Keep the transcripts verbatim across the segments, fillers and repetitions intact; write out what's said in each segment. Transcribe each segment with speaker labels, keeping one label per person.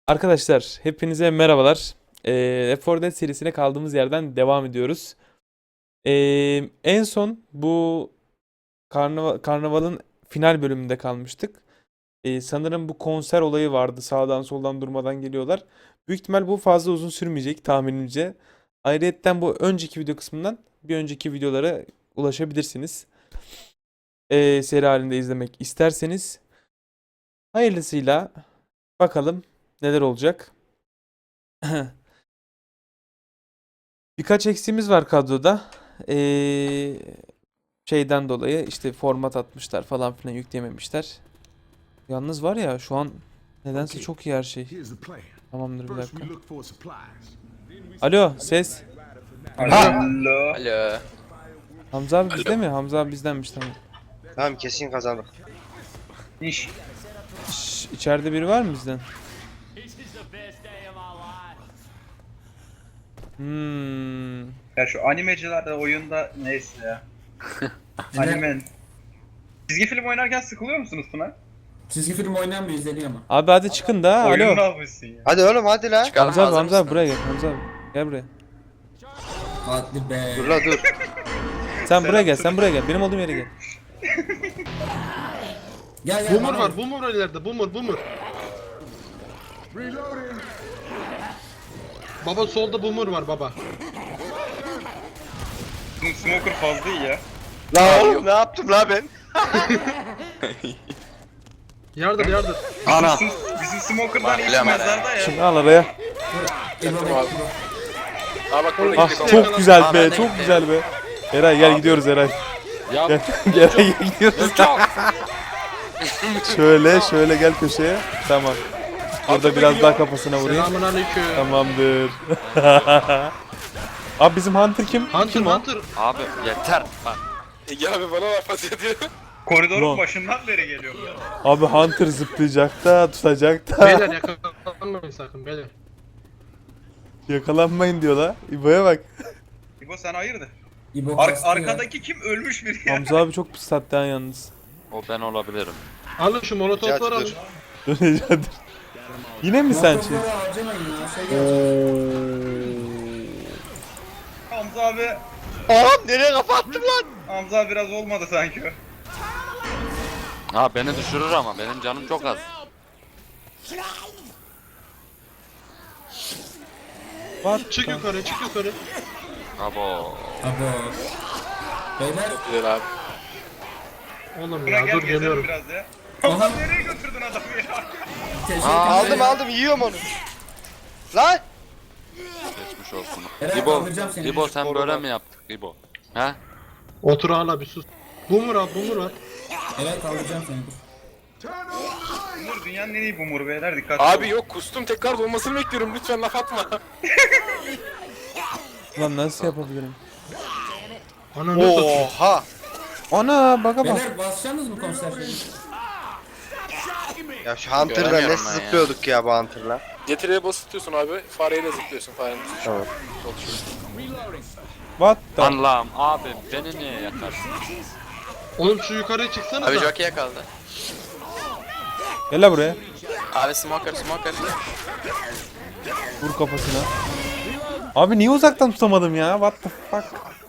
Speaker 1: Arkadaşlar hepinize merhabalar. Ee, Left four Dead serisine kaldığımız yerden devam ediyoruz. Ee, en son bu karnaval, karnavalın final bölümünde kalmıştık. Ee, sanırım bu konser olayı vardı. Sağdan soldan durmadan geliyorlar. Büyük ihtimal bu fazla uzun sürmeyecek tahminimce. Ayrıyetten bu önceki video kısmından bir önceki videolara ulaşabilirsiniz. Ee, seri halinde izlemek isterseniz. Hayırlısıyla bakalım neler olacak. Birkaç eksiğimiz var kadroda. Ee, şeyden dolayı işte format atmışlar falan filan yüklememişler. Yalnız var ya şu an nedense çok iyi her şey. Tamamdır bir dakika. Alo ses.
Speaker 2: Alo.
Speaker 3: Alo.
Speaker 1: Hamza abi bizde mi? Hamza abi bizdenmiş tamam.
Speaker 2: Tamam kesin kazandık. İş.
Speaker 1: Şş, içeride biri var mı bizden? Hmm.
Speaker 4: Ya şu animecilerde oyunda neyse ya. Anime. Çizgi film oynarken sıkılıyor musunuz Tuna?
Speaker 5: Çizgi film oynayan bir izleniyor ama.
Speaker 1: Abi hadi çıkın da. Alo.
Speaker 4: Oyunu almışsın ya.
Speaker 2: Hadi oğlum hadi la.
Speaker 3: Çıkalım,
Speaker 1: Hamza abi
Speaker 3: hazır
Speaker 1: Hamza abi
Speaker 3: mısın?
Speaker 1: buraya gel. Hamza abi gel buraya.
Speaker 5: Hadi be.
Speaker 2: Dur la dur.
Speaker 1: Sen buraya gel. Sen buraya gel. Benim olduğum yere gel.
Speaker 5: Gel gel.
Speaker 6: Boomer
Speaker 5: bana
Speaker 6: var,
Speaker 5: gel.
Speaker 6: boomer ileride, boomer, boomer. Baba solda boomer var baba.
Speaker 4: Bizim smoker fazla iyi ya.
Speaker 2: La oğlum ne yaptım la ben?
Speaker 6: Yardır yardır.
Speaker 3: Ana.
Speaker 4: Bizim, bizim smoker'dan
Speaker 3: Bak,
Speaker 4: iyi
Speaker 3: bilemem
Speaker 4: mezarda ya.
Speaker 1: Şimdi al araya.
Speaker 5: İbo bekle, İbo.
Speaker 6: Aa bak burada
Speaker 1: Ah
Speaker 6: gidiyor.
Speaker 1: çok güzel
Speaker 3: Aa,
Speaker 1: be.
Speaker 3: ben de
Speaker 1: Çok
Speaker 3: gittim.
Speaker 1: güzel be. Eray gel gidiyoruz Eray.
Speaker 3: Ya
Speaker 1: Gel gel Eray, gel gidiyoruz. Şöyle şöyle gel köşeye. Tamam. Burada biraz daha kafasına vurayım.
Speaker 6: Selamun aleyküm.
Speaker 1: Tamamdır. Abi bizim Hunter kim?
Speaker 6: Hunter,
Speaker 1: kim o?
Speaker 6: Hunter.
Speaker 3: abi yeter. Bak.
Speaker 4: Koridorun
Speaker 1: Ulan.
Speaker 4: başından beri geliyor.
Speaker 1: Abi Hunter zıplayacak da tutacak da.
Speaker 6: Beyler yakalanmayın sakın beyler.
Speaker 1: Yakalanmayın diyor la. İbo'ya bak.
Speaker 4: İbo sen hayırdır?
Speaker 5: İbo
Speaker 4: Ar
Speaker 5: kastı ya.
Speaker 4: arkadaki kim ölmüş biri ya?
Speaker 1: Hamza abi çok pis sattı ha yalnız.
Speaker 3: O ben olabilirim.
Speaker 6: Alın şu molotofları alın.
Speaker 2: Dur.
Speaker 1: Dur rica ederim. Yine mi sen şey?
Speaker 5: Motorları harcamayın ya. Şey gelecek.
Speaker 4: Hamza abi.
Speaker 2: Oğlum nereye kapattım lan?
Speaker 4: Hamza abi biraz olmadı sanki o.
Speaker 3: Ha beni düşürür ama benim canım çok az.
Speaker 1: What?
Speaker 6: Çık yukarı, çık yukarı.
Speaker 3: Abo.
Speaker 5: Abo. Beyler.
Speaker 6: Oğlum
Speaker 4: Buna
Speaker 6: ya
Speaker 4: gel
Speaker 6: dur
Speaker 4: gezelim
Speaker 6: geliyorum.
Speaker 4: biraz ya.
Speaker 5: Aha.
Speaker 4: Hamza nereye götürdün adamı ya?
Speaker 5: Teşekkür
Speaker 3: Aa,
Speaker 5: ederim.
Speaker 2: Aldım aldım yiyorum onu. Lan.
Speaker 3: Geçmiş olsun.
Speaker 5: Eren,
Speaker 3: İbo,
Speaker 5: kaldıracağım seni.
Speaker 3: İbo sen böyle mi yaptık İbo? He?
Speaker 6: Otur hala bir sus. Boomer al, boomer var.
Speaker 5: Evet kaldıracağım seni. dur.
Speaker 4: Bumur dünyanın en iyi bumur beyler dikkat.
Speaker 7: Abi yok kustum tekrar dolmasını bekliyorum lütfen laf atma.
Speaker 1: Lan nasıl yapabilirim?
Speaker 6: Ananı satayım.
Speaker 2: Oha.
Speaker 1: Ana baka bak.
Speaker 5: Beyler basacaksınız mı konser şeyini?
Speaker 2: Ya şu Hunter'la
Speaker 3: Göremiyorum
Speaker 2: nasıl
Speaker 3: ben ya.
Speaker 2: zıplıyorduk ya bu Hunter'la.
Speaker 7: Getireye basıtıyorsun abi fareyle zıplıyorsun farenin üstüne.
Speaker 2: Tamam.
Speaker 1: What the?
Speaker 3: Allah'ım abi beni niye yakarsın?
Speaker 6: Oğlum şu yukarıya çıksana
Speaker 3: Abi
Speaker 6: da.
Speaker 3: jockey'e kaldı.
Speaker 1: Gel la buraya.
Speaker 3: Abi smoker smoker.
Speaker 1: Vur kafasına. Abi niye uzaktan tutamadım ya? What the fuck?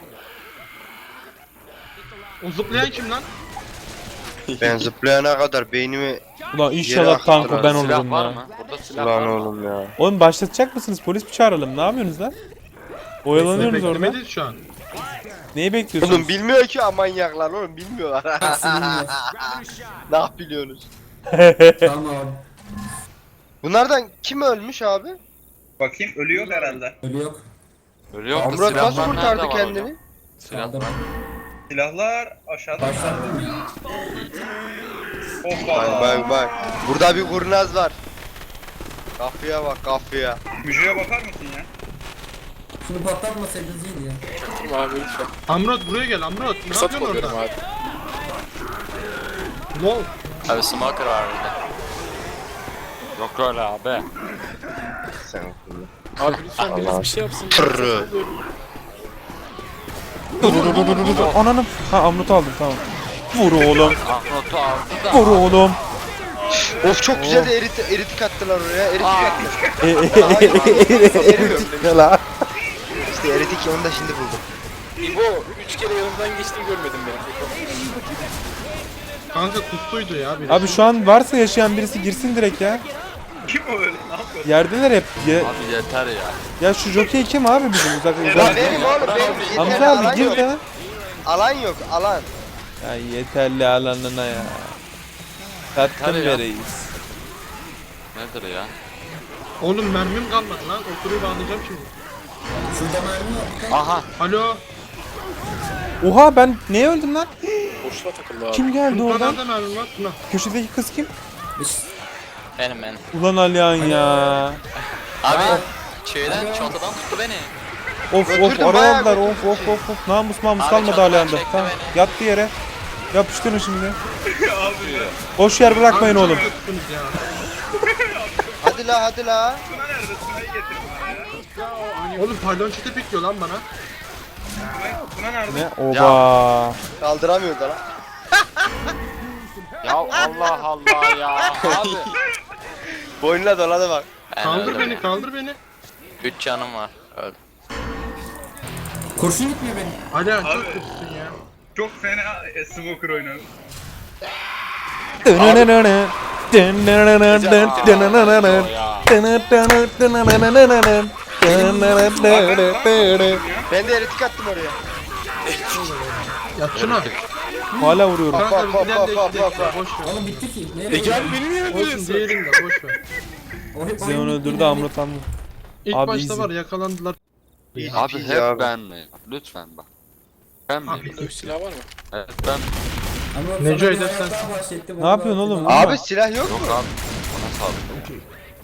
Speaker 6: O zıplayan kim lan?
Speaker 2: Ben zıplayana kadar beynimi
Speaker 1: Ulan
Speaker 2: Yere
Speaker 1: inşallah
Speaker 2: aktı
Speaker 1: tanko
Speaker 2: lan.
Speaker 1: ben
Speaker 3: Silah
Speaker 1: olurum
Speaker 3: var
Speaker 1: ya.
Speaker 3: mı? Burada silah var
Speaker 2: lan
Speaker 3: mı?
Speaker 2: oğlum ya.
Speaker 1: Oğlum başlatacak mısınız? Polis mi çağıralım? Ne yapıyorsunuz lan? Oyalanıyoruz orada.
Speaker 6: Beklemedeyiz şu an.
Speaker 1: Neyi bekliyorsunuz?
Speaker 2: Oğlum bilmiyor ki amanyaklar oğlum bilmiyorlar.
Speaker 5: Sinirler.
Speaker 2: Ne biliyorsunuz?
Speaker 5: Tamam abi.
Speaker 2: Bunlardan kim ölmüş abi?
Speaker 4: Bakayım ölüyor herhalde.
Speaker 5: Ölü yok.
Speaker 3: Ölüyor da
Speaker 2: Amrat
Speaker 3: silahlar
Speaker 2: nasıl
Speaker 3: nerede
Speaker 2: kurtardı
Speaker 3: var
Speaker 2: kendini?
Speaker 3: hocam? Silah
Speaker 5: Kaldım.
Speaker 4: Silahlar aşağıda.
Speaker 5: Başlattım ya.
Speaker 4: Hoppa.
Speaker 2: Bak bak bak. Burada bir kurnaz var. Kafaya bak kafaya.
Speaker 4: Müjde'ye bakar mısın ya?
Speaker 5: Şunu patlatmasaydınız iyiydi ya.
Speaker 7: Çaktım abi lütfen.
Speaker 6: Amrot buraya gel Amrot. Ne
Speaker 7: Fırsat
Speaker 6: yapıyorsun
Speaker 7: kolluyorum
Speaker 6: orada?
Speaker 7: abi.
Speaker 6: Lol.
Speaker 3: Abi smoker var burada. Yok öyle abi.
Speaker 2: Sen
Speaker 7: Abi lütfen birisi
Speaker 2: Allah.
Speaker 7: bir şey yapsın.
Speaker 2: Tırrı.
Speaker 1: Dur dur dur dur dur dur. Ananım. Ha amrutu aldım tamam. Vur oğlum.
Speaker 3: Ahmet'i aldı da.
Speaker 1: Vur oğlum.
Speaker 2: Of çok güzel de erit, eritik attılar oraya. Eritik attılar.
Speaker 1: E, e, e,
Speaker 2: Eritik ne la? İşte eritik onu da şimdi buldum.
Speaker 7: İbo üç kere yanımdan geçtim görmedim beni.
Speaker 6: Kanka kustuydu ya biri.
Speaker 1: Abi şu an varsa yaşayan birisi girsin direkt ya.
Speaker 4: Kim o öyle? Ne yapıyor?
Speaker 1: Yerdeler hep. Ya,
Speaker 3: Abi yeter ya.
Speaker 1: ya şu jockey kim abi bizim uzak
Speaker 2: Ya
Speaker 1: uzak.
Speaker 2: benim oğlum benim. Yeterli
Speaker 1: Hamza
Speaker 2: alan
Speaker 1: abi gir
Speaker 2: yok.
Speaker 1: de.
Speaker 2: Alan yok alan.
Speaker 1: Ya yeterli alanına ya. Tattım
Speaker 3: Yeter ya.
Speaker 1: be reis.
Speaker 3: Nedir ya?
Speaker 6: Oğlum mermim kalmadı lan. Oturuyu bağlayacağım şimdi.
Speaker 5: Şurada mermi yok.
Speaker 3: Aha.
Speaker 6: Alo.
Speaker 1: Oha ben neye öldüm lan?
Speaker 7: Boşluğa takıldı abi.
Speaker 1: Kim geldi
Speaker 6: Tuna
Speaker 1: oradan?
Speaker 6: nerede mermim var? Tuna.
Speaker 1: Köşedeki kız kim?
Speaker 8: Benim benim.
Speaker 1: Ulan Alihan ya.
Speaker 8: Abi şeyden çantadan tuttu beni.
Speaker 1: Of of
Speaker 2: Götürdüm, bayağı
Speaker 1: arayadılar of
Speaker 2: götürdüm
Speaker 1: of
Speaker 2: şeyi.
Speaker 1: of of. Namus mamus
Speaker 8: Abi
Speaker 1: kalmadı
Speaker 8: çatıdan
Speaker 1: Alihan'da.
Speaker 8: çekti
Speaker 1: Tamam
Speaker 8: beni.
Speaker 1: yattı yere. Yapıştırın şimdi. Boş yer bırakmayın
Speaker 6: Abi,
Speaker 1: oğlum.
Speaker 6: çok kötüsünüz ya.
Speaker 2: Hadi la hadi la.
Speaker 4: Tuna nerede? Tuna'yı getir bana ya.
Speaker 6: Oğlum pardon çete pikliyor lan bana.
Speaker 4: Tuna- Tuna nerede?
Speaker 1: Ne? Oba.
Speaker 2: Kaldıramıyor da lan.
Speaker 3: Ya Allah Allah ya. Abi.
Speaker 2: Boynuna doladı bak.
Speaker 8: Ben
Speaker 6: Kaldır
Speaker 8: öldüm.
Speaker 6: beni kaldır beni.
Speaker 8: Üç canım var. Öldüm.
Speaker 5: Kurşun gitmiyor benim.
Speaker 6: Alihan çok
Speaker 4: Abi.
Speaker 6: kötüsün ya.
Speaker 4: Çok fena e, smoker oynadı.
Speaker 2: Ben de eritik attım oraya.
Speaker 6: Ya Tuna.
Speaker 1: Hala vuruyorum.
Speaker 6: Kanka
Speaker 2: Bak, bak,
Speaker 6: bizden de
Speaker 2: bak,
Speaker 6: iki
Speaker 2: bak,
Speaker 6: dakika boş ver.
Speaker 5: Oğlum bitti ki. Nereye?
Speaker 7: Ege abi beni niye
Speaker 6: Olsun
Speaker 7: öldürüyorsun?
Speaker 6: diyelim de boş ver.
Speaker 5: O hep
Speaker 1: Zeon
Speaker 5: oyun
Speaker 1: öldürdü
Speaker 5: bitti.
Speaker 1: amrotandı.
Speaker 6: İlk
Speaker 1: Abi
Speaker 6: başta
Speaker 1: easy.
Speaker 6: var yakalandılar.
Speaker 3: Abi
Speaker 2: İyi
Speaker 3: hep
Speaker 2: abi.
Speaker 3: ben mi? Lütfen bak. Ben mi?
Speaker 6: Abi,
Speaker 7: Dövüş silahı var mı?
Speaker 3: Evet ben.
Speaker 5: Ama
Speaker 6: Neco
Speaker 5: sana bir
Speaker 6: edersen-
Speaker 5: hayat daha bahsettim,
Speaker 1: Ne
Speaker 5: onu
Speaker 1: yapıyorsun
Speaker 5: da-
Speaker 1: oğlum?
Speaker 2: Abi silah yok
Speaker 3: Yok
Speaker 2: mu?
Speaker 3: abi. Bana sağlık.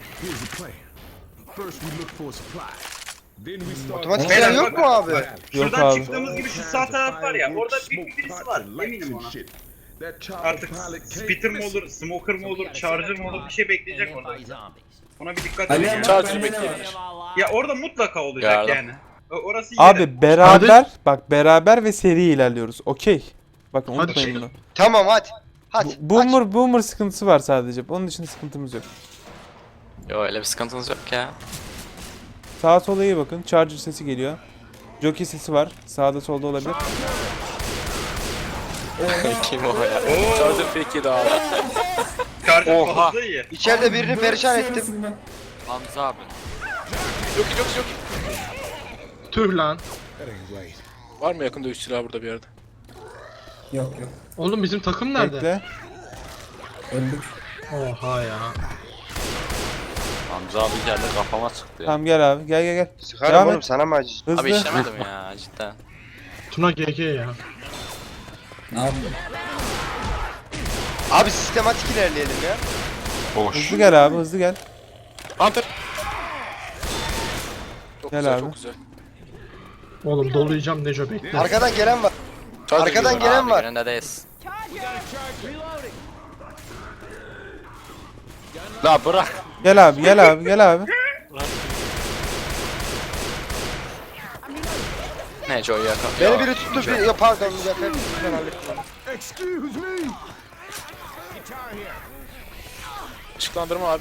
Speaker 2: Otomatik
Speaker 4: Beyler,
Speaker 2: silah yok
Speaker 4: bak-
Speaker 2: mu abi?
Speaker 1: Yok
Speaker 4: Şuradan
Speaker 1: abi.
Speaker 4: çıktığımız gibi şu sağ taraf var ya, orada bir birisi var, eminim ona. Artık spitter mi olur, smoker mı olur, charger mı olur, bir şey bekleyecek orada. Ona bir dikkat edin
Speaker 5: Alihan
Speaker 4: ya.
Speaker 5: bak
Speaker 7: Charger
Speaker 5: bende ne
Speaker 7: bekleyebilir.
Speaker 5: var?
Speaker 4: Ya orada mutlaka olacak
Speaker 7: Ya.
Speaker 4: yani. O- Orası yine.
Speaker 1: Abi beraber bak beraber ve seri ilerliyoruz. Okey. Bakın
Speaker 6: Hadi
Speaker 1: unutmayın
Speaker 6: çıkın.
Speaker 1: bunu.
Speaker 2: Tamam hadi. Hadi.
Speaker 1: Bu- Boomer boomer sıkıntısı var sadece. Onun dışında sıkıntımız yok.
Speaker 8: Yo öyle bir sıkıntınız yok ya.
Speaker 1: Sağa sola iyi bakın. Charger sesi geliyor. Jockey sesi var. Sağda solda olabilir.
Speaker 8: Kim o ya?
Speaker 7: Charger fake yedi abi.
Speaker 4: Charger
Speaker 3: Oha.
Speaker 4: fazla iyi.
Speaker 2: İçeride birini
Speaker 5: Böyle
Speaker 2: perişan
Speaker 5: bir şey
Speaker 2: ettim.
Speaker 5: arasında-
Speaker 3: Hamza abi.
Speaker 7: Yok yok yok.
Speaker 6: Tüh lan.
Speaker 7: Var mı yakın dövüş silahı burada bir yerde?
Speaker 5: Yok yok.
Speaker 6: Oğlum bizim takım nerede?
Speaker 1: Bekle.
Speaker 5: Öldük.
Speaker 6: Oha ya.
Speaker 3: Hamza abi geldi kafama sıktı ya.
Speaker 1: Tamam gel abi. Gel gel gel.
Speaker 2: Sıkarım
Speaker 1: Devam
Speaker 2: oğlum
Speaker 1: et.
Speaker 2: sana mı acı?
Speaker 1: Hızlı.
Speaker 8: Abi işlemedim ya cidden.
Speaker 6: Tuna G G ya.
Speaker 5: Ne yaptın?
Speaker 2: Abi sistematik ilerleyelim ya.
Speaker 3: Boş.
Speaker 1: Hızlı gel abi. Hızlı gel.
Speaker 7: Hunter. Çok
Speaker 1: Gel
Speaker 7: güzel
Speaker 1: abi.
Speaker 7: çok güzel.
Speaker 6: Oğlum dolayacağım Neco bekle.
Speaker 2: Arkadan gelen var.
Speaker 7: Charger
Speaker 2: Arkadan
Speaker 7: geliyor.
Speaker 2: gelen
Speaker 8: Abi
Speaker 2: var.
Speaker 8: önündeyiz.
Speaker 3: La bırak.
Speaker 1: Gel abi. Gel abi. Gel abi.
Speaker 8: Ne Joe yakın.
Speaker 2: Beni biri tuttu. Bir... Ya pardon Mücahit. Ben hallettim.
Speaker 7: Işıklandırma abi.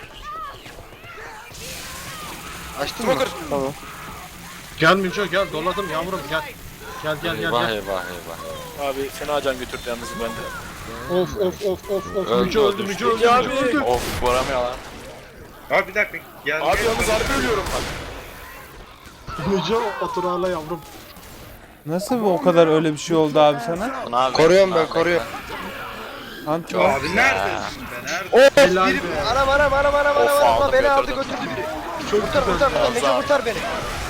Speaker 2: Açtın mı?
Speaker 7: Smoker.
Speaker 2: Tamam.
Speaker 6: Gel Neco gel doladım yavrum gel. Gel gel gel
Speaker 3: Eyvah
Speaker 6: gel.
Speaker 3: eyvah eyvah.
Speaker 7: Abi fena can götürdü yalnız bende.
Speaker 6: Of of of of of.
Speaker 3: Öldü,
Speaker 6: Neco öldü
Speaker 3: öldü.
Speaker 6: Neco öldü
Speaker 7: Ya
Speaker 6: Neco
Speaker 7: abi.
Speaker 6: öldü.
Speaker 3: Of vuramıyorlar.
Speaker 4: Abi bir dakika. Gel,
Speaker 7: Abi
Speaker 4: gel.
Speaker 7: yalnız harbi ölüyorum bak.
Speaker 6: Neco otur ağla yavrum.
Speaker 1: Nasıl o kadar öyle bir şey oldu abi sana?
Speaker 8: Tuna abi.
Speaker 2: Koruyorum
Speaker 8: Tuna
Speaker 2: ben,
Speaker 8: abi,
Speaker 2: koruyorum.
Speaker 1: Ant
Speaker 4: Abi neredesin be? Nerede?
Speaker 2: Of
Speaker 6: Helal
Speaker 2: biri
Speaker 6: be.
Speaker 2: anam anam anam anam
Speaker 8: Of,
Speaker 2: anam anam
Speaker 8: aldım,
Speaker 2: beni aldı
Speaker 8: götürdüm.
Speaker 2: götürdü biri. Kurtar kurtar kurtar Neco kurtar beni.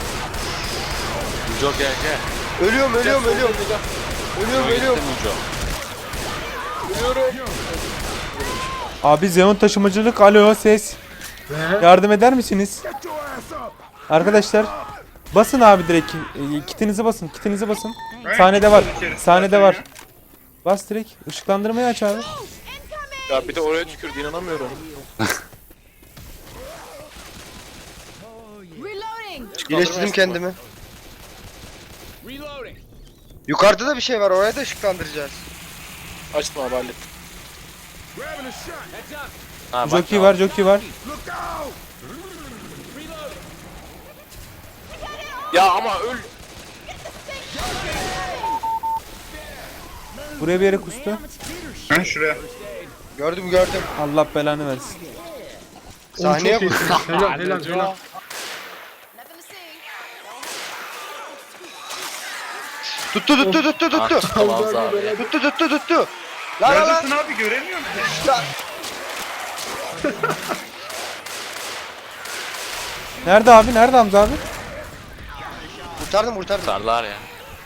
Speaker 3: Mujo gel gel.
Speaker 2: Ölüyorum ölüyorum ölüyorum. Ölüyorum
Speaker 3: Mujo
Speaker 2: ölüyorum.
Speaker 3: gitti Mujo.
Speaker 1: Abi Zeon taşımacılık. Alo ses.
Speaker 6: Ne?
Speaker 1: Yardım eder misiniz? Arkadaşlar basın abi direkt. E, kitinizi basın. Kitinizi basın. Sahnede var. Sahnede var. Bas direkt. Işıklandırmayı aç abi.
Speaker 7: Ya bir de oraya tükürdü inanamıyorum.
Speaker 2: İyileştirdim kendimi. Yukarıda da bir şey var oraya da ışıklandıracağız.
Speaker 7: Açtım abi hallettim.
Speaker 3: Ha, bak
Speaker 1: Jockey
Speaker 3: ya.
Speaker 1: var, jockey var.
Speaker 7: Ya ama öl.
Speaker 1: Buraya bir yere kustu.
Speaker 4: Ha şuraya.
Speaker 2: Gördüm gördüm.
Speaker 1: Allah belanı versin.
Speaker 2: Sahneye
Speaker 6: Çok iyi.
Speaker 2: vur.
Speaker 6: Helal helal helal.
Speaker 2: Tuttu tuttu tuttu
Speaker 3: Ah,
Speaker 2: tuttu.
Speaker 3: tuttu Hamza abi.
Speaker 2: Tuttu tuttu tuttu. Lan lan lan.
Speaker 4: Neredesin abi göremiyorum ki.
Speaker 2: Lan.
Speaker 1: Nerede abi? Nerede Hamza abi?
Speaker 2: Kurtardım kurtardım.
Speaker 3: Sarlar ya.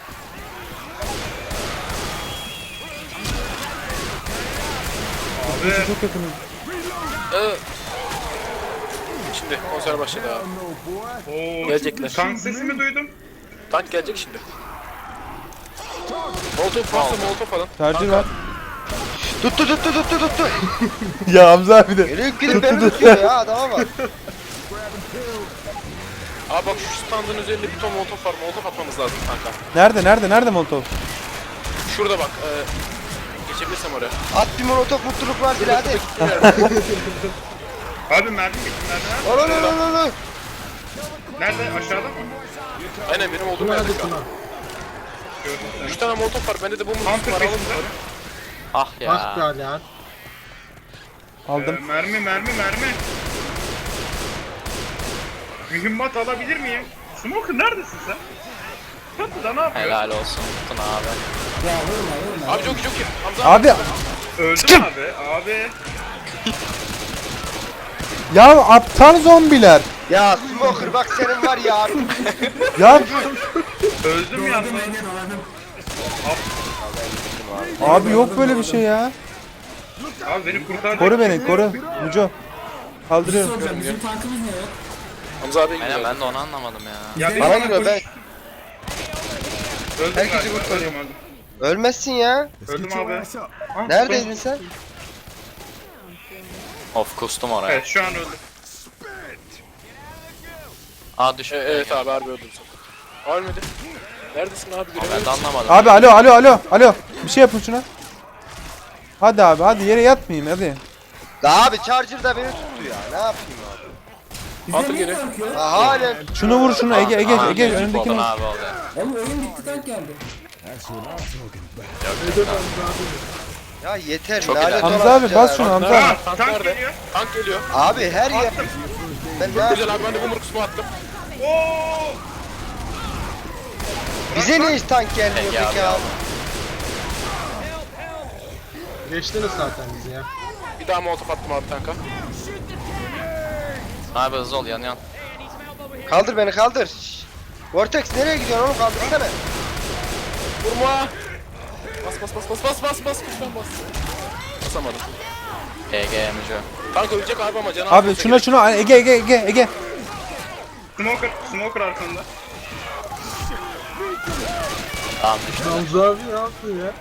Speaker 4: Abi.
Speaker 1: Çok yakınım.
Speaker 7: Ee, Şimdi konser başladı abi.
Speaker 4: Oo,
Speaker 7: Gelecekler.
Speaker 4: tank sesimi duydum.
Speaker 7: Tank gelecek şimdi. Molotov varsa molotov falan.
Speaker 1: Charger var.
Speaker 2: Tuttu tuttu tuttu tuttu.
Speaker 1: Ya Hamza abi de.
Speaker 2: Gelip gidip beni tutuyor ya adama bak.
Speaker 7: Abi bak şu standın üzerinde bir ton molotov var. Molotov atmamız lazım kanka.
Speaker 1: Nerede? Nerede? Nerede Molotov?
Speaker 7: Şurada bak. E, geçebilirsem oraya.
Speaker 2: At bir molotof mutluluk var birader.
Speaker 4: Abi mermi bitti mermi.
Speaker 2: Ol ol ol ol ol.
Speaker 4: Nerede? Aşağıda mı?
Speaker 7: Aynen benim olduğum
Speaker 6: Tuna
Speaker 7: yerde
Speaker 6: hadi
Speaker 7: şu an.
Speaker 6: Tuna.
Speaker 4: Gördüm
Speaker 7: Üç
Speaker 4: seni.
Speaker 7: tane molotov var. Bende de bu
Speaker 4: Hunter
Speaker 7: molotov var. Alın
Speaker 4: peşinde.
Speaker 7: bunları.
Speaker 3: Ah
Speaker 6: Ah be
Speaker 3: ya.
Speaker 6: Alihan.
Speaker 4: Ee,
Speaker 1: Aldım.
Speaker 4: mermi mermi mermi. Mühimmat alabilir miyim? Smoker neredesin sen? Çatıda ne yapıyorsun?
Speaker 3: Helal olsun Tuna abi.
Speaker 5: Ya vurma vurma.
Speaker 7: Abi çok iyi çok iyi. Hamza
Speaker 1: Abi
Speaker 4: Öldüm abi. Abi.
Speaker 1: ya aptal zombiler.
Speaker 2: Ya Smoker bak senin var ya.
Speaker 1: Ya
Speaker 4: Öldüm ya.
Speaker 5: Doladım Ege doladım.
Speaker 1: abi yok böyle bir şey ya.
Speaker 4: Abi beni kurtar.
Speaker 1: Koru beni, koru. Muco.
Speaker 5: Bir şey
Speaker 1: Kaldırıyorum.
Speaker 5: soracağım. Bizim tankımız ne yok?
Speaker 7: Hamza abi
Speaker 3: Aynen
Speaker 7: gidiyor.
Speaker 3: ben de onu anlamadım ya.
Speaker 4: Ya
Speaker 2: Bana
Speaker 4: bana
Speaker 2: giriyor ben.
Speaker 4: Öldüm
Speaker 2: Herkesi
Speaker 4: galiba,
Speaker 2: kurtarıyorum.
Speaker 4: öldüm,
Speaker 2: Ölmezsin ya.
Speaker 4: Öldüm Öldüm abi. Ah,
Speaker 2: Neredeydin sen?
Speaker 3: Of kustum oraya.
Speaker 4: Evet şu an öldüm.
Speaker 3: Aa düştü.
Speaker 7: E, evet abi harbi öldüm sen. Ölmedi. Neredesin abi?
Speaker 3: Ben de
Speaker 7: Göremedim.
Speaker 3: anlamadım.
Speaker 1: Abi alo alo alo alo. Bir şey yapın şuna. Hadi abi hadi yere yatmayayım hadi.
Speaker 2: La abi Charger da beni tuttu ya. Ne yapayım abi?
Speaker 5: Bizde
Speaker 7: Hunter
Speaker 5: niye
Speaker 7: geliyor.
Speaker 5: tank yok?
Speaker 2: Ha halen.
Speaker 1: Şunu vur şunu Ege Ege
Speaker 3: Aa,
Speaker 1: Ege
Speaker 3: mecbur
Speaker 1: önündekini.
Speaker 3: oldun abi oldu.
Speaker 5: Oğlum oyun bitti tank geldi.
Speaker 2: Ya yeter.
Speaker 3: Çok
Speaker 2: lanet
Speaker 3: ileride.
Speaker 1: Hamza
Speaker 2: olası
Speaker 1: abi bas
Speaker 2: ya.
Speaker 1: şunu Hamza
Speaker 7: Nerede?
Speaker 1: abi.
Speaker 7: Tank,
Speaker 4: Tank
Speaker 7: nerede?
Speaker 4: geliyor.
Speaker 7: Tank geliyor.
Speaker 2: Abi her yer. Ben ne yapayım?
Speaker 7: Güzel abi ben de bu murkusumu attım.
Speaker 4: Oo!
Speaker 2: Bize niye hiç tank gelmiyor
Speaker 3: Peki abi,
Speaker 2: peki abi?
Speaker 6: Geçtiniz zaten bizi ya.
Speaker 7: Bir daha molotov attım abi tanka.
Speaker 3: Abi hızlı ol yanıyorsun.
Speaker 2: Kaldır beni kaldır. Şşş. Vortex nereye gidiyorsun oğlum kaldırsana.
Speaker 7: Vurma. Bas bas bas bas bas bas bas lütfen bas. Basamadım.
Speaker 3: G G Emici.
Speaker 7: Tank ölecek abi ama canı
Speaker 1: Abi şuna şuna Ege Ege Ege Ege.
Speaker 4: Smoker, smoker arkanda.
Speaker 3: Tamam düştü.
Speaker 6: Hamza abi ne yaptın ya?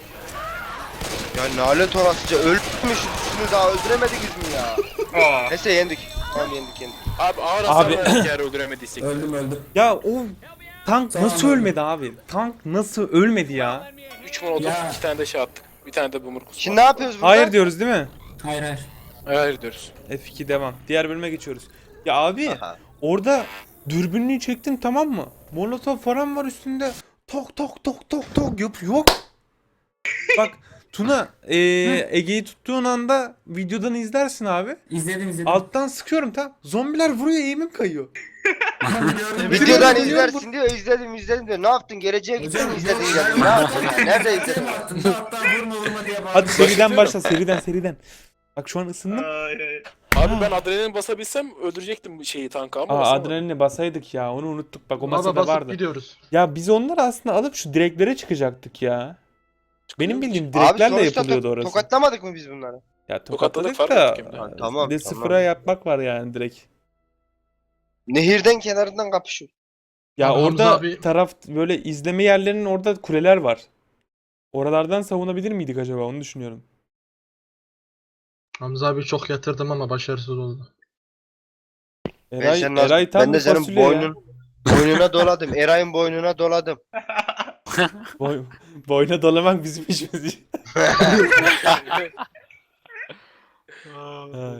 Speaker 2: Ya lanet olasıca ölmüşsünüz daha öldüremediniz mi ya?
Speaker 4: Aa.
Speaker 2: Neyse yendik. Tamam yendik yendik.
Speaker 7: Abi ağır hasar
Speaker 1: Abi.
Speaker 7: verdik eğer öldüremediysek.
Speaker 5: Öldüm öldüm.
Speaker 1: Ya o tank
Speaker 5: Tamam,
Speaker 1: nasıl
Speaker 5: öldüm.
Speaker 1: ölmedi abi? Tank nasıl ölmedi ya?
Speaker 7: üç molotov,
Speaker 5: Ya.
Speaker 7: iki tane de şey attık. Bir tane de bu murkus.
Speaker 2: Şimdi ne yapıyoruz burada?
Speaker 1: Hayır diyoruz değil mi?
Speaker 5: Hayır hayır.
Speaker 7: Hayır diyoruz.
Speaker 1: F iki devam. Diğer bölüme geçiyoruz. Ya abi
Speaker 2: Aha.
Speaker 1: orada dürbünlüğü çektim tamam mı? Molotov falan var üstünde. Tok tok tok tok tok yok yok. Bak Tuna eee, Ege'yi tuttuğun anda videodan izlersin abi.
Speaker 5: İzledim izledim.
Speaker 1: Alttan sıkıyorum tam. Zombiler vuruyor eğimim kayıyor.
Speaker 5: Gördüm.
Speaker 2: Videodan
Speaker 1: Biliyorum,
Speaker 2: izlersin diyor izledim izledim diyor. Ne yaptın geleceğe gittin
Speaker 5: Hocam,
Speaker 2: izledin
Speaker 5: hocam,
Speaker 2: izledin. Ne yaptın ya? Nerede izledin?
Speaker 5: Sen attın da hatta vurma vurma diye bağırdım.
Speaker 1: Hadi seriden başla seriden seriden. Bak şu an ısındım.
Speaker 4: Ay, ay.
Speaker 7: Abi ben adrenalin basabilsem öldürecektim şeyi tanka ama
Speaker 1: Aa
Speaker 7: basamadım.
Speaker 1: adrenalini basaydık ya onu unuttuk bak o
Speaker 6: Ona da
Speaker 1: masada
Speaker 6: basıp
Speaker 1: vardı.
Speaker 6: gidiyoruz.
Speaker 1: Ya biz onları aslında alıp şu direklere çıkacaktık ya. Benim bildiğim
Speaker 2: Abi
Speaker 1: direklerle
Speaker 2: sonuçta
Speaker 1: yapılıyordu
Speaker 2: to-
Speaker 1: orası.
Speaker 2: tokatlamadık mı biz bunları?
Speaker 1: Ya
Speaker 7: Tokatladık,
Speaker 1: tokatladık
Speaker 7: fark
Speaker 1: da
Speaker 7: ettik hem de.
Speaker 1: e,
Speaker 2: Tamam,
Speaker 1: bir de
Speaker 2: tamam.
Speaker 1: sıfıra yapmak var yani direkt.
Speaker 2: Nehirden kenarından kapışıyor.
Speaker 1: Ya
Speaker 6: Abi
Speaker 1: orada
Speaker 6: Hamza abi-
Speaker 1: taraf böyle izleme yerlerinin orada kuleler var. Oralardan savunabilir miydik acaba onu düşünüyorum.
Speaker 6: Hamza abi çok yatırdım ama başarısız oldu.
Speaker 2: Ben
Speaker 1: Eray,
Speaker 2: senin,
Speaker 1: Eray tam
Speaker 2: ben de
Speaker 1: bir
Speaker 2: senin
Speaker 1: fasulye ya.
Speaker 2: boynun, boynuna doladım. Eray'ın boynuna doladım.
Speaker 1: Boy, boyuna dolamak bizim işimiz. Ay.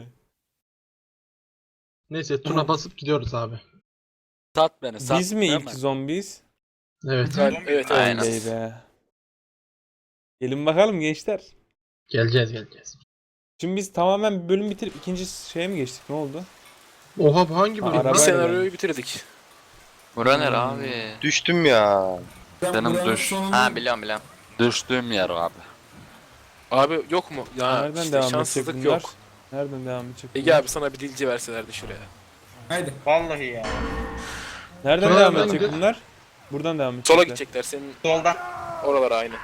Speaker 6: Neyse Tuna basıp gidiyoruz abi.
Speaker 3: Sat beni sat.
Speaker 1: Biz mi
Speaker 3: değil
Speaker 1: ilk zombiyiz?
Speaker 6: Evet.
Speaker 7: Evet, evet.
Speaker 8: Aynen.
Speaker 1: Oley be. Gelin bakalım gençler.
Speaker 6: Geleceğiz geleceğiz.
Speaker 1: Şimdi biz tamamen bir bölüm bitirip ikinci şeye mi geçtik? Ne oldu?
Speaker 6: Oha bu hangi
Speaker 1: Aa,
Speaker 6: bölüm?
Speaker 7: Bir
Speaker 1: arabayla
Speaker 6: lan?
Speaker 7: senaryoyu bitirdik.
Speaker 8: Bura nere abi?
Speaker 2: Düştüm ya.
Speaker 5: Ben
Speaker 3: Benim
Speaker 5: buranın
Speaker 3: düş-
Speaker 5: sonunda-
Speaker 8: Ha biliyorum biliyorum.
Speaker 3: Düştüğüm yer abi.
Speaker 7: Abi yok mu? Ya
Speaker 1: Nereden
Speaker 7: işte
Speaker 1: devam edecek
Speaker 7: şanssızlık
Speaker 1: bunlar?
Speaker 7: yok.
Speaker 1: Nereden devam edecek
Speaker 7: Ege
Speaker 1: bunlar?
Speaker 7: abi sana bir dilci verselerdi şuraya.
Speaker 5: Haydi.
Speaker 4: Vallahi ya.
Speaker 1: Nereden
Speaker 6: Sonra
Speaker 1: devam
Speaker 6: ben
Speaker 1: edecek
Speaker 6: gö-
Speaker 1: bunlar? Buradan devam edecekler.
Speaker 7: Sola gidecekler senin
Speaker 4: Soldan.
Speaker 7: oralara aynı.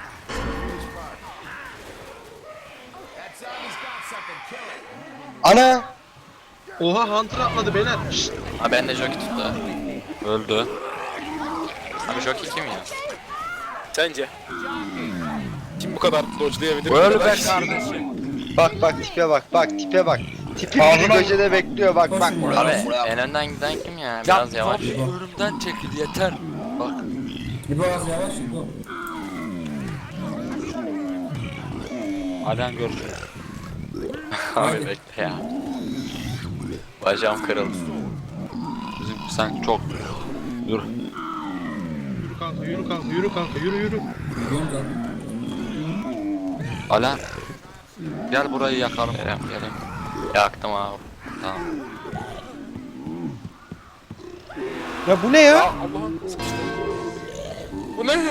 Speaker 2: Ana!
Speaker 6: Oha Hunter atladı beyler. Şşt.
Speaker 8: Ha ben de jockey tuttu.
Speaker 3: Öldü.
Speaker 8: Abi jockey kim ya?
Speaker 7: Sence? Kim bu kadar dodge'layabilir?
Speaker 3: Öl be
Speaker 7: Arkadaş.
Speaker 3: kardeşim.
Speaker 2: Bak bak tipe bak bak tipe bak. Tipi bir köşede bekliyor bak bak.
Speaker 5: Koşun
Speaker 8: Abi
Speaker 5: ya.
Speaker 8: en önden giden kim ya?
Speaker 3: Ya
Speaker 8: Biraz yavaş.
Speaker 3: abi önümden çekil yeter. Bak.
Speaker 5: İbo az yavaş İbo.
Speaker 3: Alan görecek.
Speaker 8: Abi bekle ya. Bacağım kırıldı.
Speaker 3: Bizim sen çok. Dur.
Speaker 6: Yürü kanka yürü kanka yürü kanka yürü yürü.
Speaker 5: Biliyorum zaten.
Speaker 3: Alan. Gel burayı yakalım.
Speaker 8: Gelem
Speaker 3: Gel.
Speaker 8: gelem. Yaktım abi.
Speaker 3: Tamam.
Speaker 1: Ya bu ne ya?
Speaker 7: Allah'ım sıkıştı. Bu ne?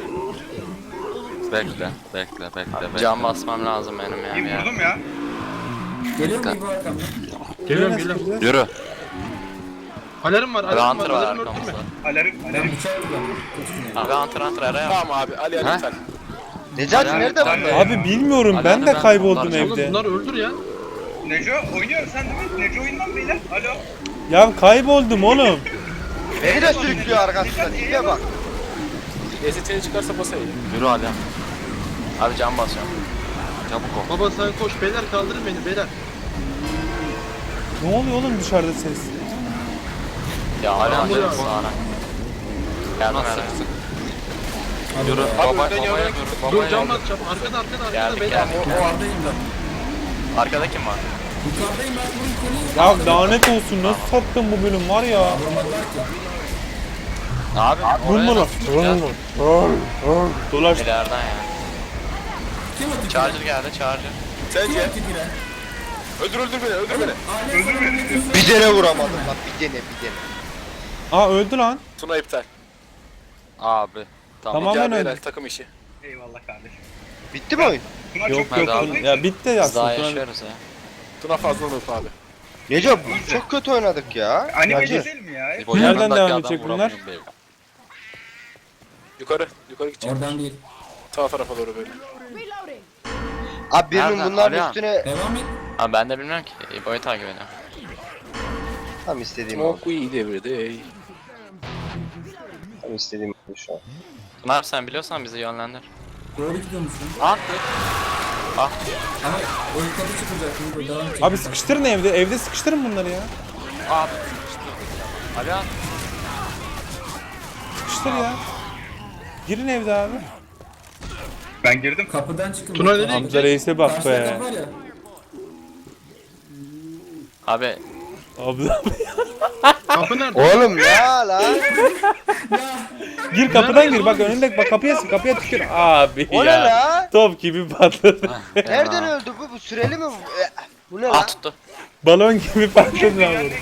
Speaker 3: Bekle. Bekle bekle bekle.
Speaker 8: Cam basmam lazım benim ya.
Speaker 4: İyi
Speaker 8: bir yer.
Speaker 4: vurdum ya.
Speaker 5: Geliyor mu İbo arkamdan?
Speaker 6: Geliyorum
Speaker 1: Nasıl
Speaker 6: geliyorum.
Speaker 1: gidiyor?
Speaker 3: Yürü.
Speaker 6: Alarm var
Speaker 8: Abi
Speaker 6: alarm var
Speaker 8: Hunter var
Speaker 6: alarm öldürme.
Speaker 8: arkamızda.
Speaker 4: Alarm,
Speaker 5: Ben
Speaker 4: alarm.
Speaker 5: bıçak kullandım. Koşun ya.
Speaker 8: Abi Hunter Hunter araya.
Speaker 7: Tamam abi Ali
Speaker 3: Ha?
Speaker 7: Ali lütfen.
Speaker 2: Necati
Speaker 3: Alarm-
Speaker 2: nerede bu?
Speaker 1: Abi bilmiyorum ben
Speaker 3: Alanı
Speaker 1: de
Speaker 3: ben
Speaker 1: kayboldum
Speaker 3: kullanacağım.
Speaker 6: Oğlum
Speaker 1: evde.
Speaker 6: bunlar öldür ya.
Speaker 4: Neco oynuyor sen değil mi? Neco oyundan beyler. Alo.
Speaker 1: Ya kayboldum oğlum.
Speaker 2: Beni de sürüklüyor arkasında tipe bak.
Speaker 7: D S T'ni çıkarsa basayım.
Speaker 3: Yürü Alan.
Speaker 8: Abi cam basıyorum.
Speaker 3: Çabuk ol.
Speaker 6: Baba sen koş beyler kaldırın beni beyler.
Speaker 1: Ne oluyor oğlum dışarıda ses?
Speaker 8: Ya hala
Speaker 6: Tamam,
Speaker 8: canım
Speaker 6: buyur.
Speaker 8: sağına. Yardım
Speaker 3: Nasıl
Speaker 8: ver.
Speaker 3: sıksın?
Speaker 5: Hadi
Speaker 3: Yürü.
Speaker 5: be.
Speaker 3: Baba,
Speaker 7: önden
Speaker 3: babaya
Speaker 7: yana-
Speaker 3: yürü.
Speaker 6: Dur
Speaker 3: Babaya
Speaker 6: cam
Speaker 3: yürü.
Speaker 6: basacağım. Arkada arkada arkada
Speaker 8: Geldik
Speaker 6: beyler.
Speaker 8: geldik.
Speaker 5: O ardayım ben.
Speaker 8: Arkada kim var?
Speaker 5: Yukarıdayım ben bunu konuyu.
Speaker 1: Ya lanet olsun nasıl sattın bu bölüm var ya.
Speaker 5: Vurmadılar ki.
Speaker 3: Abi
Speaker 1: Vurma
Speaker 3: oraya
Speaker 1: lan.
Speaker 3: nasıl gideceğiz?
Speaker 1: Dolaş.
Speaker 8: İleriden ya.
Speaker 5: Kim o tipi?
Speaker 8: Charger geldi charger.
Speaker 5: Kim
Speaker 7: Sence?
Speaker 5: o tipi lan?
Speaker 7: Öldür öldür beni öldür beni.
Speaker 5: Öldür beni.
Speaker 2: Bir tane vuramadım bak bir tane bir tane.
Speaker 1: Aa öldü lan.
Speaker 7: Tuna iptal.
Speaker 3: Abi. Tamam.
Speaker 1: Tamam.
Speaker 7: Gel
Speaker 1: Hemen
Speaker 7: beyler
Speaker 1: öldü.
Speaker 7: takım işi.
Speaker 4: Eyvallah kardeşim.
Speaker 2: Bitti mi oyun?
Speaker 4: Tuna
Speaker 1: Yok
Speaker 4: çok
Speaker 3: yok
Speaker 4: yok.
Speaker 3: abi.
Speaker 1: Ya bitti ya
Speaker 8: Biz daha
Speaker 1: aslında.
Speaker 8: yaşıyoruz ya.
Speaker 7: Tuna fazla noob abi.
Speaker 2: Neco bu çok kötü oynadık ya.
Speaker 4: Anime
Speaker 2: Bence.
Speaker 4: değil mi ya?
Speaker 3: İbo,
Speaker 1: Nereden
Speaker 3: yanındaki
Speaker 1: devam
Speaker 3: adam
Speaker 1: edecek bunlar?
Speaker 3: vuramıyorum beyler.
Speaker 7: Yukarı. Yukarı gidecek.
Speaker 5: Oradan değil.
Speaker 7: Sağ tarafa doğru böyle.
Speaker 2: Abi birinin
Speaker 3: Nereden?
Speaker 2: bunların
Speaker 3: Alihan.
Speaker 2: üstüne
Speaker 5: Devam et.
Speaker 8: Abi ben de bilmiyorum ki. İbo'yu takip ediyorum.
Speaker 2: tam istediğim oldu.
Speaker 7: Smoke weed every day.
Speaker 2: Tam istediğim oldu şu an.
Speaker 8: Tuna abi sen biliyorsan bizi yönlendir.
Speaker 5: Doğru gidiyormuşsun.
Speaker 3: Hunter.
Speaker 5: Ama o yukarı çıkacak. İbo devam et.
Speaker 1: Abi sıkıştırın evde. Evde sıkıştırın bunları ya.
Speaker 3: Abi. Alan.
Speaker 1: Sıkıştır ya. Girin evde abi.
Speaker 4: Ben girdim.
Speaker 5: Kapıdan çıkın.
Speaker 6: Tuna nereye
Speaker 1: Hamza Reis'e bak
Speaker 5: Karşıda
Speaker 1: be.
Speaker 5: kapı var ya.
Speaker 8: Abi
Speaker 1: Abla.
Speaker 6: Kapı nerede?
Speaker 2: Oğlum ya lan.
Speaker 1: Gir kapıdan gir bak önünde bak kapıya sık kapıya tükür. Abi
Speaker 2: O ne
Speaker 1: ya.
Speaker 2: la?
Speaker 1: Top gibi patladı.
Speaker 2: Nereden öldü bu? Bu süreli mi? bu? E, Bu ne
Speaker 8: ah
Speaker 2: lan?
Speaker 8: tuttu.
Speaker 1: Balon gibi patladı lan bu.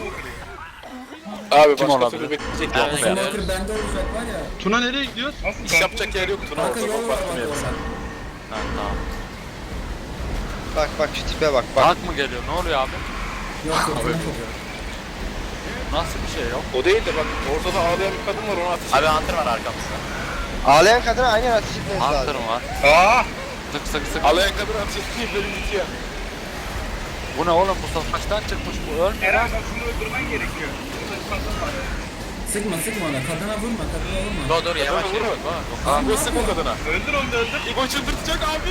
Speaker 7: Abi
Speaker 3: Kim
Speaker 7: başka
Speaker 3: olabilir?
Speaker 7: türlü bekleyecek
Speaker 8: Yok
Speaker 7: yok
Speaker 8: be.
Speaker 7: ya.
Speaker 5: Smoker bende olacak var ya.
Speaker 6: Tuna nereye gidiyoruz?
Speaker 4: Nasıl?
Speaker 7: İş yapacak yer yok Tuna
Speaker 5: Kanka
Speaker 7: orada.
Speaker 5: yol
Speaker 7: Çok
Speaker 5: var
Speaker 7: farklı
Speaker 5: bak
Speaker 7: bir yer.
Speaker 5: oradan.
Speaker 8: Ha, tamam.
Speaker 2: Bak bak şu tipe bak bak.
Speaker 3: Hak mı geliyor? Ne oluyor abi?
Speaker 5: Yok yok. yok.
Speaker 3: Nasıl bir şey yok?
Speaker 7: O değil de bak ortada ağlayan bir kadın var ona ateş
Speaker 8: Abi Hunter var arkamızda.
Speaker 2: Ağlayan kadına aynen ateş etmeniz
Speaker 3: Hunter
Speaker 2: lazım.
Speaker 3: mı var?
Speaker 4: Aa!
Speaker 3: Sık sık sık.
Speaker 7: Ağlayan kadın ateş ettiği bölüm bitiyor.
Speaker 3: Bu ne oğlum? Bu savaştan çıkmış bu. Ölmüyor.
Speaker 4: Eren bak şunu öldürmen gerekiyor. Burada bir kadın var.
Speaker 5: Sıkma sıkma ona. Kadına vurma. Kadına vurma.
Speaker 8: Dur dur yavaş
Speaker 7: Vurma
Speaker 8: yavaş.
Speaker 7: vurma. Abi sık o kadına.
Speaker 4: Öldür onu da öldür.
Speaker 7: İbo çıldırtacak abi.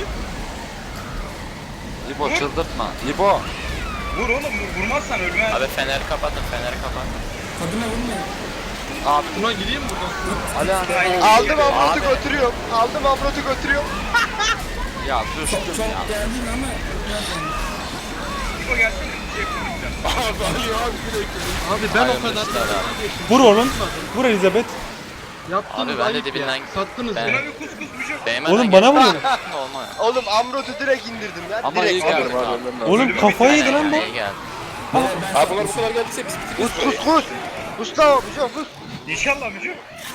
Speaker 3: İbo çıldırtma. İbo.
Speaker 4: Vur oğlum vur. Vurmazsan ölmez.
Speaker 8: Abi feneri kapatın feneri kapatın.
Speaker 5: Kadına vurma.
Speaker 3: Abi.
Speaker 6: Tuna gideyim buradan.
Speaker 3: Alan.
Speaker 2: Aldım Amrot'u
Speaker 8: Abi.
Speaker 2: götürüyorum. Aldım Amrot'u götürüyorum.
Speaker 3: Ya
Speaker 5: Çok
Speaker 3: düştüm
Speaker 5: çok
Speaker 3: ya.
Speaker 5: geldin ama. Nereden?
Speaker 4: İbo gelsene bir şey yapamayacağım.
Speaker 6: Abi Ali abi direkt. Abi ben o kadar
Speaker 8: Hayırlı işler abi.
Speaker 1: Vur onun. Vur Elizabeth.
Speaker 6: yaptım.
Speaker 8: Abi ben de dibinden
Speaker 6: Sattınız
Speaker 8: Ben-
Speaker 6: ya.
Speaker 4: Buna bir kus kus bir şey.
Speaker 8: değmeden
Speaker 1: Oğlum bana
Speaker 8: geçti.
Speaker 1: vuruyor.
Speaker 8: Olma.
Speaker 2: Oğlum Amrot'u direkt indirdim ya.
Speaker 8: Ama iyi
Speaker 2: direkt.
Speaker 8: geldi abi.
Speaker 1: Oğlum kafayı yedi lan bu.
Speaker 8: İyi geldi.
Speaker 7: Abi bunlar bu kadar geldiyse biz
Speaker 2: Kus kus kus. Kus la Müco kus.
Speaker 4: İnşallah Müco.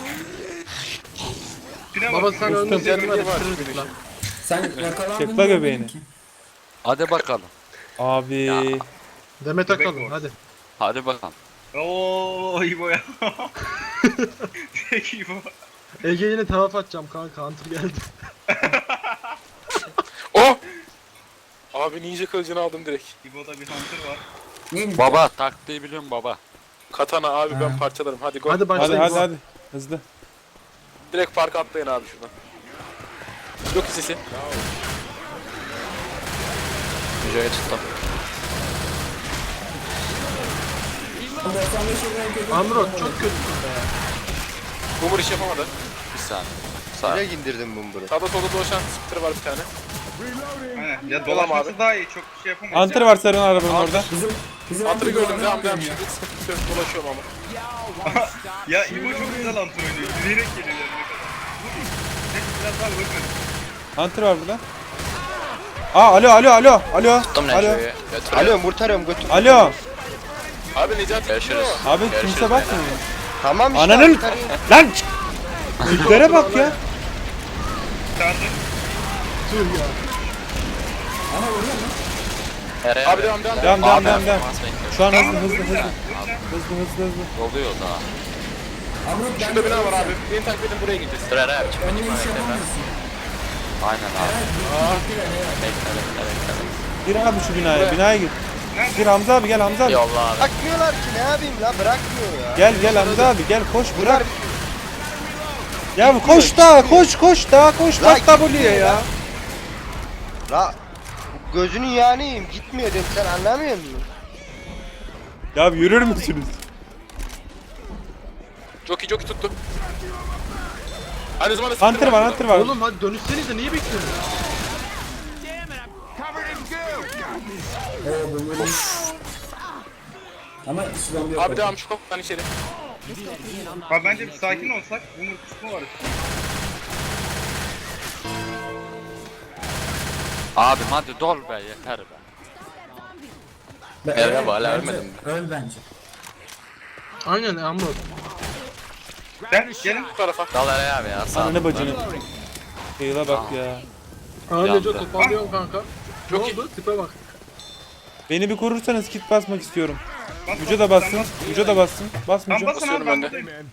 Speaker 4: Şuna
Speaker 6: Baba
Speaker 4: bak.
Speaker 6: sen ölmüş yanına bitirirdik lan.
Speaker 5: Sen yakalandın.
Speaker 1: Çekla göbeğini.
Speaker 5: ki.
Speaker 3: Hadi bakalım.
Speaker 1: Abi.
Speaker 6: Demet Akalın hadi.
Speaker 3: Hadi bakalım.
Speaker 4: Ooo İbo ya. Peki İbo.
Speaker 6: Ege yine tavaf atacağım kanka. Hunter geldi.
Speaker 7: Oh! Abi ninja kılıcını aldım direkt.
Speaker 4: İbo'da bir hunter var.
Speaker 5: Neymiş?
Speaker 3: Baba taktiği biliyorum baba.
Speaker 7: Katana abi ben
Speaker 5: Ha.
Speaker 7: parçalarım. Hadi go.
Speaker 6: Hadi
Speaker 1: Hadi
Speaker 6: başlayın.
Speaker 1: hadi hadi. Hızlı.
Speaker 7: Direkt park atlayın abi şuradan. Yok sesi.
Speaker 8: Müco'yu tuttum.
Speaker 5: doksan beş yılına kötü.
Speaker 6: Amrot çok kötü.
Speaker 7: Boomer iş yapamadı.
Speaker 3: Bir saniye.
Speaker 8: Sağ.
Speaker 2: Direkt indirdim Bumbur'u.
Speaker 7: Sağda solda dolaşan spitter var bir tane.
Speaker 4: Aynen. Ya
Speaker 7: Dolam
Speaker 4: dolaşması
Speaker 7: abi.
Speaker 4: daha iyi. Çok bir şey yapamayız.
Speaker 1: Hunter var sarın arabanın orada.
Speaker 5: Bizim bizim
Speaker 7: Hunter'ı
Speaker 5: Hunter'ı
Speaker 7: gördüm. Devam devam.
Speaker 5: ya.
Speaker 7: Şimdi sıkıntı yok. Dolaşıyorum ama.
Speaker 4: Ya İbo çok güzel hunter oynuyor. Yürüyerek geliyor yani. Ne biraz daha bakın.
Speaker 1: Hunter var burada. Aa alo alo alo. Alo.
Speaker 8: Tuttum
Speaker 1: Alo.
Speaker 8: Neco'yu. Götürüyorum.
Speaker 2: Alo kurtarıyorum götür.
Speaker 1: Alo.
Speaker 7: Abi Necati
Speaker 8: Görüşürüz.
Speaker 1: Abi
Speaker 8: Görüşürüz
Speaker 1: kimse
Speaker 8: beyler.
Speaker 1: bakmıyor.
Speaker 2: Tamam işte.
Speaker 1: Ananın-
Speaker 2: kurtarıyorum.
Speaker 1: Lan! Tiplere bak ya.
Speaker 4: Charger.
Speaker 8: Nereye
Speaker 7: Abi devam devam.
Speaker 1: Devam devam devam devam.
Speaker 8: Performans bekliyorum.
Speaker 1: Şu an hızlı
Speaker 4: Tamam,
Speaker 1: hızlı hızlı.
Speaker 4: vuracağım,
Speaker 1: Hızlı hızlı hızlı.
Speaker 3: Oluyor daha.
Speaker 5: Amrot ben
Speaker 7: Şurada bina var abi. Beni takip edin buraya gideceğiz.
Speaker 8: Dur Eray abi çıkma
Speaker 5: Önüne
Speaker 8: çıkma
Speaker 5: bir şey
Speaker 8: bekle.
Speaker 5: yapamıyorsun.
Speaker 3: Aynen abi.
Speaker 8: Bekle bekle bekle.
Speaker 1: Gir abi şu binaya. Binaya gir. Gir Hamza abi gel Hamza abi.
Speaker 8: Yolla abi.
Speaker 2: Bırakmıyorlar ki ne yapayım la bırakmıyor ya.
Speaker 1: Gel gel Hamza abi gel koş
Speaker 2: Bunlar
Speaker 1: bırak. Ya bu koş da koş koş da koş
Speaker 2: La
Speaker 1: bak W'ye ya.
Speaker 2: la gözünün yağınıyım gitmiyor dedim sen anlamıyor musun?
Speaker 1: Ya yürür müsünüz?
Speaker 7: Jockey jockey tuttu. Aynı zamanda
Speaker 1: Hunter var Hunter var.
Speaker 6: Oğlum hadi dönüşsenize niye bekliyorsunuz?
Speaker 5: Oo bu böyle. Ama İslam yok.
Speaker 7: Abi devam şu kapıdan içeri.
Speaker 4: Abi bence bir sakin olsak. Bunun kısmı var.
Speaker 3: Abim hadi dol be yeter be.
Speaker 5: Ben-
Speaker 8: Merhaba, hala
Speaker 5: bence-
Speaker 8: ölmedim.
Speaker 5: Öl bence.
Speaker 6: Aynen Amrot.
Speaker 4: Gel gelin.
Speaker 7: Bu tarafa.
Speaker 8: Dal Eray abi ya. Sağ.
Speaker 1: Ananı bacını. Kıyıla bak ya.
Speaker 6: Aa Neco
Speaker 3: Yandı.
Speaker 6: toparlıyorum kanka. Ne
Speaker 7: Çok iyi.
Speaker 6: oldu? Tipe bak.
Speaker 1: Beni bir korursanız kit basmak istiyorum.
Speaker 4: Bas,
Speaker 1: Müce de
Speaker 4: bas,
Speaker 1: bassın.
Speaker 4: sen bas.
Speaker 1: Müce de bassın. Bas
Speaker 4: Tamam
Speaker 1: Müce.
Speaker 4: basın abi
Speaker 7: Basıyorum
Speaker 4: ben
Speaker 7: ben de.
Speaker 4: buradayım.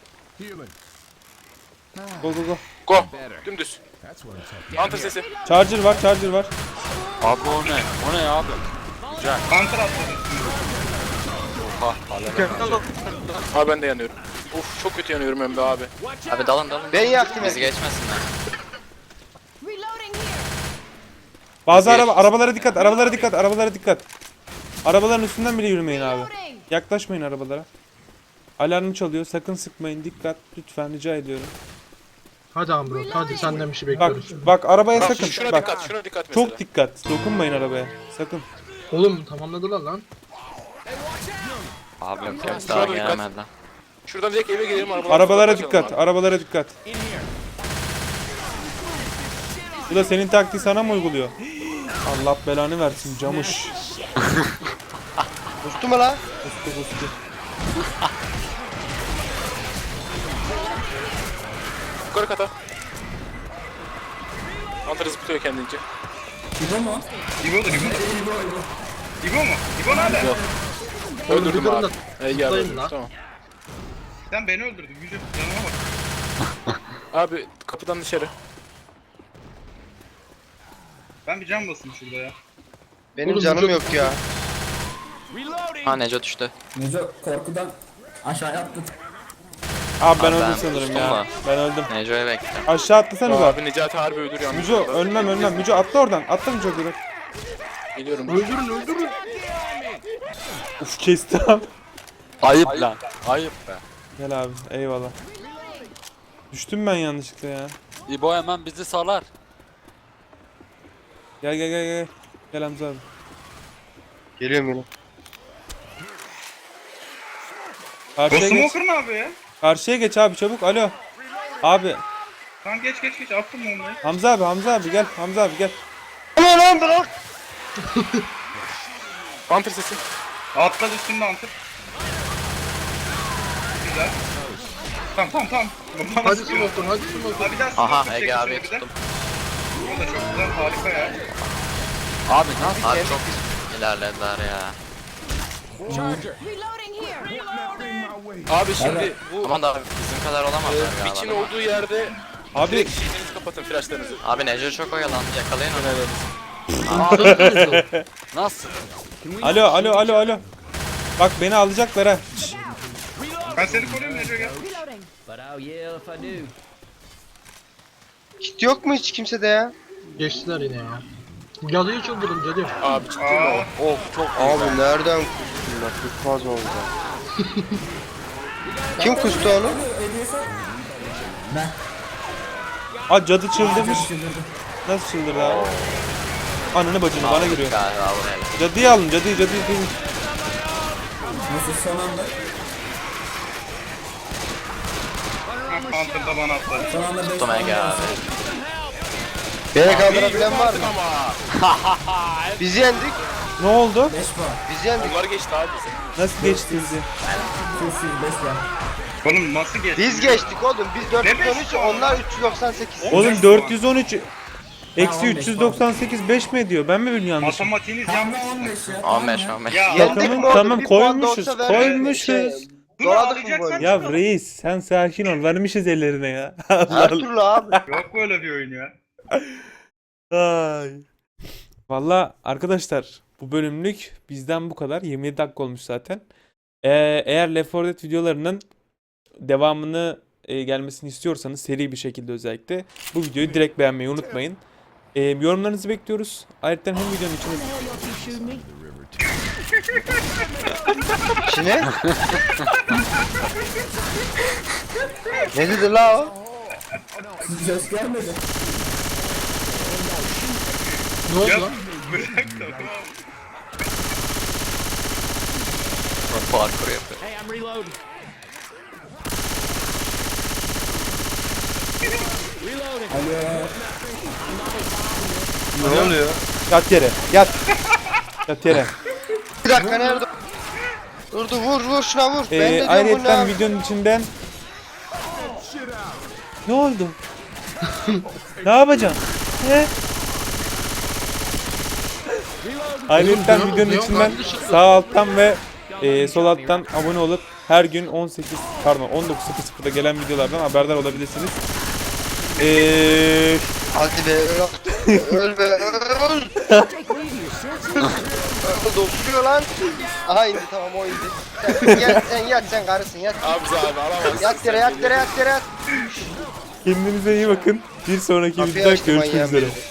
Speaker 1: Go go go.
Speaker 7: Go. Dümdüz. Hunter sesi.
Speaker 1: Charger var Charger var.
Speaker 3: Abi o ne? O ne abi? Güzel.
Speaker 4: Hunter atladı.
Speaker 3: Oha. Alev.
Speaker 7: Abi ben de yanıyorum. Uf çok kötü yanıyorum hem de abi.
Speaker 8: Abi dalın dalın.
Speaker 2: Ben yaktım
Speaker 8: Bizi
Speaker 2: hep.
Speaker 8: geçmesinler.
Speaker 9: Reloading here.
Speaker 1: Bazı araba arabalara dikkat, arabalara dikkat, arabalara dikkat. Arabaların üstünden bile yürümeyin abi.
Speaker 9: Reloading.
Speaker 1: Yaklaşmayın arabalara. Alarm çalıyor. Sakın sıkmayın. Dikkat. Lütfen rica ediyorum.
Speaker 6: Hadi Amrot hadi senden bir şey
Speaker 1: Bak
Speaker 6: bekliyoruz.
Speaker 1: bak arabaya
Speaker 7: Bak
Speaker 1: sakın.
Speaker 7: şuna
Speaker 1: Bak.
Speaker 7: dikkat, şuna dikkat mesela.
Speaker 1: Çok dikkat. Dokunmayın arabaya. Sakın.
Speaker 6: Oğlum tamamladılar lan.
Speaker 3: Abi
Speaker 8: Yok
Speaker 3: yok.
Speaker 8: yok daha
Speaker 7: Şurada dikkat.
Speaker 8: gelemediler.
Speaker 7: Şuradan direkt eve gidelim arabalara.
Speaker 1: Arabalara
Speaker 7: kaçalım
Speaker 1: dikkat.
Speaker 7: abi.
Speaker 1: Arabalara dikkat. Bu da senin taktiği sana mı uyguluyor? Allah belanı versin camış.
Speaker 2: Kustu mu la?
Speaker 1: Kustu kustu.
Speaker 7: Yukarı kata. Hunter zıplıyor kendince.
Speaker 5: İbo mu?
Speaker 4: İbo'dur İbo.
Speaker 5: İbo İbo.
Speaker 4: İbo mu? İbo nerede?
Speaker 6: Oğlum
Speaker 7: Öldürdüm
Speaker 6: bir durun
Speaker 7: abi.
Speaker 6: da
Speaker 7: Ey
Speaker 6: zıplayın
Speaker 7: geldi.
Speaker 6: lan.
Speaker 7: Tamam.
Speaker 4: Sen beni öldürdün. Yüce canıma bak.
Speaker 7: Abi kapıdan dışarı.
Speaker 4: Ben bir can basayım şurada ya.
Speaker 2: Benim
Speaker 6: Oğlum,
Speaker 2: canım
Speaker 6: vücut-
Speaker 2: yok ya.
Speaker 8: Ha Neco düştü.
Speaker 5: Neco korkudan aşağıya attı.
Speaker 1: Abi ben
Speaker 8: Abi
Speaker 1: öldüm
Speaker 8: ben
Speaker 1: sanırım
Speaker 8: kustum
Speaker 1: ya.
Speaker 8: da.
Speaker 1: Ben öldüm.
Speaker 8: Neco'yu bekle.
Speaker 1: Aşağı atlasanıza.
Speaker 7: Abi Necati harbi öldürüyor.
Speaker 1: Müco ölmem ölmem. Müco atla oradan. Atla Müco direkt.
Speaker 7: Geliyorum.
Speaker 6: öldürün öldürün.
Speaker 1: Uf kesti abi.
Speaker 3: Ayıp lan. Ayıp be.
Speaker 1: Gel abi eyvallah. Düştüm ben yanlışlıkla ya.
Speaker 3: İbo hemen bizi salar.
Speaker 1: Gel gel gel gel. Gel Hamza abi.
Speaker 2: Geliyorum yine.
Speaker 4: O
Speaker 1: Karşıya geç.
Speaker 4: smoker ne yapıyor ya?
Speaker 1: Karşıya geç abi çabuk. Alo. Abi
Speaker 4: Tamam geç geç geç attım onu.
Speaker 1: Hamza abi Hamza abi gel. Hamza abi gel.
Speaker 2: Ulan lan bırak.
Speaker 7: Hunter sesi.
Speaker 4: Atladı üstünde antır. Güzel. Tamam tamam tamam. Bana
Speaker 6: Hadi
Speaker 4: sıkıyor.
Speaker 6: smoker hadi smoker.
Speaker 4: Abi bir daha
Speaker 8: Aha
Speaker 4: smoker
Speaker 8: Ege
Speaker 4: çek
Speaker 8: abi
Speaker 4: şöyle bir de.
Speaker 8: tuttum.
Speaker 4: O da çok güzel harika ya.
Speaker 8: Abi nasıl? Abi çok ilerlediler ya.
Speaker 9: Reloading here.
Speaker 7: Abi şimdi bu
Speaker 8: Aman da abi bizim kadar olamazlar
Speaker 7: e,
Speaker 8: ya.
Speaker 7: biçin
Speaker 8: adamlar.
Speaker 7: olduğu yerde
Speaker 1: Abi
Speaker 7: direkt şeylerinizi kapatın flashlarınızı.
Speaker 8: Abi Neco çok oyalandı yakalayın onu. Nasıl?
Speaker 1: alo alo alo alo. Bak beni alacaklar ha. Şşş.
Speaker 4: Ben seni koruyorum Neco gel.
Speaker 9: Reloading.
Speaker 2: Kit yok mu hiç kimsede ya?
Speaker 6: Geçtiler yine ya. Cadıyı çıldırdım cadı.
Speaker 7: Abi ciddi mi
Speaker 4: Aa.
Speaker 7: o? Of çok
Speaker 2: Abi nereden kustun bak çok fazla oldu. Kim kustu onu?
Speaker 1: Aa cadı çıldırmış. Nasıl çıldırdı abi? Ananı bacını bana giriyor.
Speaker 8: Galiba buraya.
Speaker 1: Cadıyı alın cadıyı cadıyı. cadıyı.
Speaker 4: Hunter da bana atladı.
Speaker 8: Tuttum Ege abi.
Speaker 2: Beni kaldırabilen var mı? Biz yendik.
Speaker 1: Ne oldu?
Speaker 2: Biz yendik.
Speaker 7: Bunlar geçti abi bize.
Speaker 1: Nasıl geçti bizi?
Speaker 4: Oğlum nasıl geçti?
Speaker 2: Biz geçtik oğlum. Biz dört yüz on üç,
Speaker 4: Ne beşi
Speaker 2: onlar üç yüz doksan sekiz.
Speaker 1: Oğlum dört yüz on üç eksi üç yüz doksan sekiz beş mi ediyor? Ben mi bilmiyorum yanlış?
Speaker 4: Matematiğiniz yanlış.
Speaker 8: on beş on beş.
Speaker 4: Ya
Speaker 2: Yendik
Speaker 1: Takımın-
Speaker 2: mi oğlum?
Speaker 1: tamam,
Speaker 2: Bir puan da
Speaker 1: koymuşuz,
Speaker 2: olsa ver-
Speaker 1: koymuşuz.
Speaker 2: şey,
Speaker 4: Dur
Speaker 2: Doradık mı
Speaker 4: ağlayacaksan
Speaker 2: böyle?
Speaker 1: Ya reis sen sakin ol. Vermişiz ellerine ya. Allah
Speaker 2: Her
Speaker 1: Allah.
Speaker 2: türlü abi.
Speaker 4: Yok böyle bir oyun ya.
Speaker 1: Ay. Valla arkadaşlar bu bölümlük bizden bu kadar. yirmi yedi dakika olmuş zaten. Ee, eğer Left four Dead videolarının devamını e, gelmesini istiyorsanız seri bir şekilde özellikle bu videoyu direkt beğenmeyi unutmayın. Ee, yorumlarınızı bekliyoruz. Ayrıca hem videonun içinde
Speaker 2: İçine? Ne dedi la o?
Speaker 6: Ne oldu lan?
Speaker 4: Bırak da.
Speaker 8: Parkur yapıyor.
Speaker 2: Ne oluyor?
Speaker 1: yat yere. Yat. Yat yere.
Speaker 2: Bir dakika nerede? Dur dur vur vur şuna vur. Ben de
Speaker 1: Ee,
Speaker 2: diyorum bu ne
Speaker 1: ayrıca
Speaker 2: abi?
Speaker 1: videonun içinden ne oldu? Ne yapacaksın? Ne? Ayrıca
Speaker 6: Oğlum,
Speaker 1: videonun
Speaker 6: Leon
Speaker 1: içinden
Speaker 6: kardeşim.
Speaker 1: sağ alttan ve e, sol alttan abone olup her gün on sekiz pardon on dokuz sıfır sıfırda gelen videolardan haberdar olabilirsiniz. Eee
Speaker 2: Hadi be öl. Öl be öl. Dokunuyor lan. Aha indi tamam o indi. Sen, gel, sen yat sen karısın yat.
Speaker 7: Abi bize abi alamaz.
Speaker 2: Yat yere yat yere yat yere yat.
Speaker 1: kendinize iyi bakın. Bir sonraki
Speaker 2: Kapıyı
Speaker 1: videoda
Speaker 2: açtı
Speaker 1: görüşmek
Speaker 2: manyağın
Speaker 1: üzere.
Speaker 2: biri.